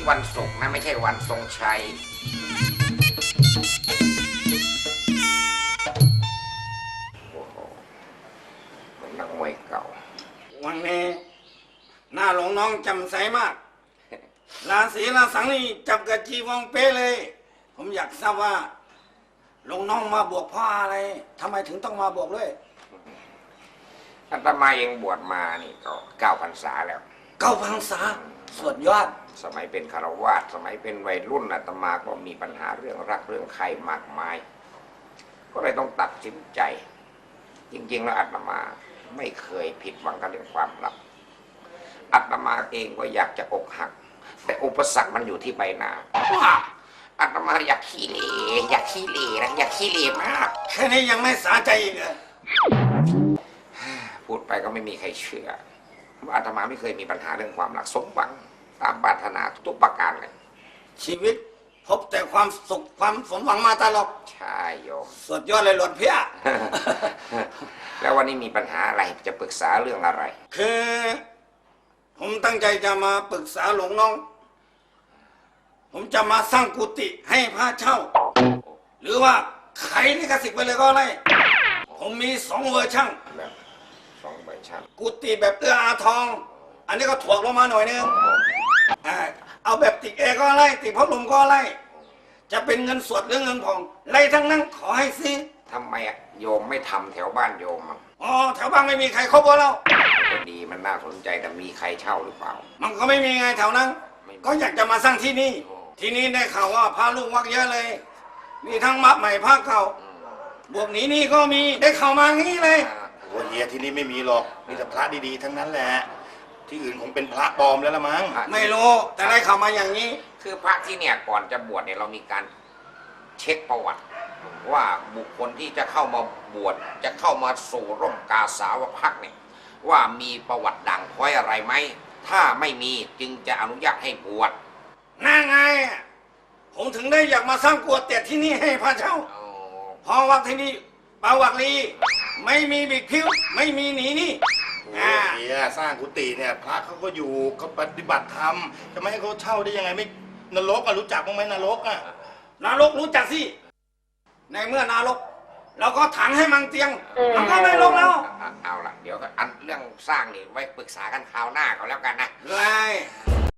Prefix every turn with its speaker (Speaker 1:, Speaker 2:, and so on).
Speaker 1: วันศุกร์นะไม่ใช่วันทรงชัยโอ้โหเหมือนนักมวยเก่า
Speaker 2: วันนี้หน้าหลวงน้องจำใสมากราศีราสังนี่จับกับจีวองเป๊ะเลยผมอยากทราบว่าหลวงน้องมาบวชเพราะอะไรทำไมถึงต้องมาบวชด้วย
Speaker 1: อาตมาเองบวชมานี่ก็9 พรรษาแล้ว
Speaker 2: 9 พรรษาสุดยอด
Speaker 1: สมัยเป็นคฤหัสถ์สมัยเป็นวัยรุ่นอาตมาก็มีปัญหาเรื่องรักเรื่องใครมากมายก็เลยต้องตัดสินใจจริงๆแล้วอาตมาไม่เคยผิดหวังกับเรื่องความรักอาตมาเองก็อยากจะอกหักแต่อุปสรรคมันอยู่ที่ใบหน้าอาตมาอยากขี้เหร่อยากขี้เหร่นะอยากขี้เหร่มาก
Speaker 2: แค่นี้ยังไม่สาใจอีกเหรอ
Speaker 1: พูดไปก็ไม่มีใครเชื่อว่าอาตมาไม่เคยมีปัญหาเรื่องความรักสมหวังตามปรารถนาทุกประการเลย
Speaker 2: ชีวิตพบแต่ความสุขความสมหวังมาตลอด
Speaker 1: ใช่โยม
Speaker 2: สุดยอดเลยหลวงพี่
Speaker 1: แล้ววันนี้มีปัญหาอะไรจะปรึกษาเรื่องอะไร
Speaker 2: คือผมตั้งใจจะมาปรึกษาหลวงน้องผมจะมาสร้างกุฏิให้พระเช่าหรือว่าขายลิขสิทธิ์ไปเลยก็ได้ผมมี2 เวอร์ชัน
Speaker 1: แบบ2 เวอร์ชัน
Speaker 2: กุฏิแบบเอื้ออาทองอันนี้ก็ถ่วงลงมาหน่อยนึงเอาแบบติดเอก็ไล่ติดพัดลมก็ไล่จะเป็นเงินสดหรือเงินผ่องไล่ทั้งนั้นขอให้ซื้อ
Speaker 1: ทำไมโยมไม่ทำแถวบ้านโยม
Speaker 2: อ๋อแถวบ้านไม่มีใครครบแล้ว
Speaker 1: ก็ดีมันน่าสนใจแต่มีใครเช่าหรือเปล่า
Speaker 2: มันก็ไม่มีไงแถวนั้นก็อยากจะมาสร้างที่นี่ที่นี่ได้ข่าวว่าพระลูกวัดเยอะเลยมีทั้งมัดใหม่พระเก่าบวกนี้นี่ก็มีได้ข่าวมางี้เลย
Speaker 3: โอ้เฮียที่นี่ไม่มีหรอกมีแต่พระดีๆทั้งนั้นแหละที่อื่นคงเป็นพระปลอมแล้วละมั้ง
Speaker 2: ไม่รู้แต่ได้ข่าวมาอย่างนี้
Speaker 1: คือพระที่เนี่ยก่อนจะบวชเนี่ยเรามีการเช็คประวัติว่าบุคคลที่จะเข้ามาบวชจะเข้ามาสู่ร่มกาสาวพักเนี่ยว่ามีประวัติด่างพร้อยอะไรไหมถ้าไม่มีจึงจะอนุญาตให้บวช
Speaker 2: น่าไงผมถึงได้อยากมาสร้างกุฏิที่นี่ให้พระเจ้าเพราะว่าที่นี่ประวัติลีไม่มีบิดผิวไม่มีหนีนี่
Speaker 3: เฮียสร้างกุฏิเนี่ยพระเขาก็อยู่เขาปฏิบัติธรรมจะไม่ให้เขาเช่าได้ยังไงไม่นรกรู้จักบ้างไหมนรก
Speaker 2: นรกรู้จักสิในเมื่อนรกเราก็ถังให้มังเตียงมันก็ไม่ลงแล้ว
Speaker 1: เอาล่ะเดี๋ยวอันเรื่องสร้างนี่ไว้ปรึกษากันคราวหน้าเขาแล้วกันนะ
Speaker 2: เลย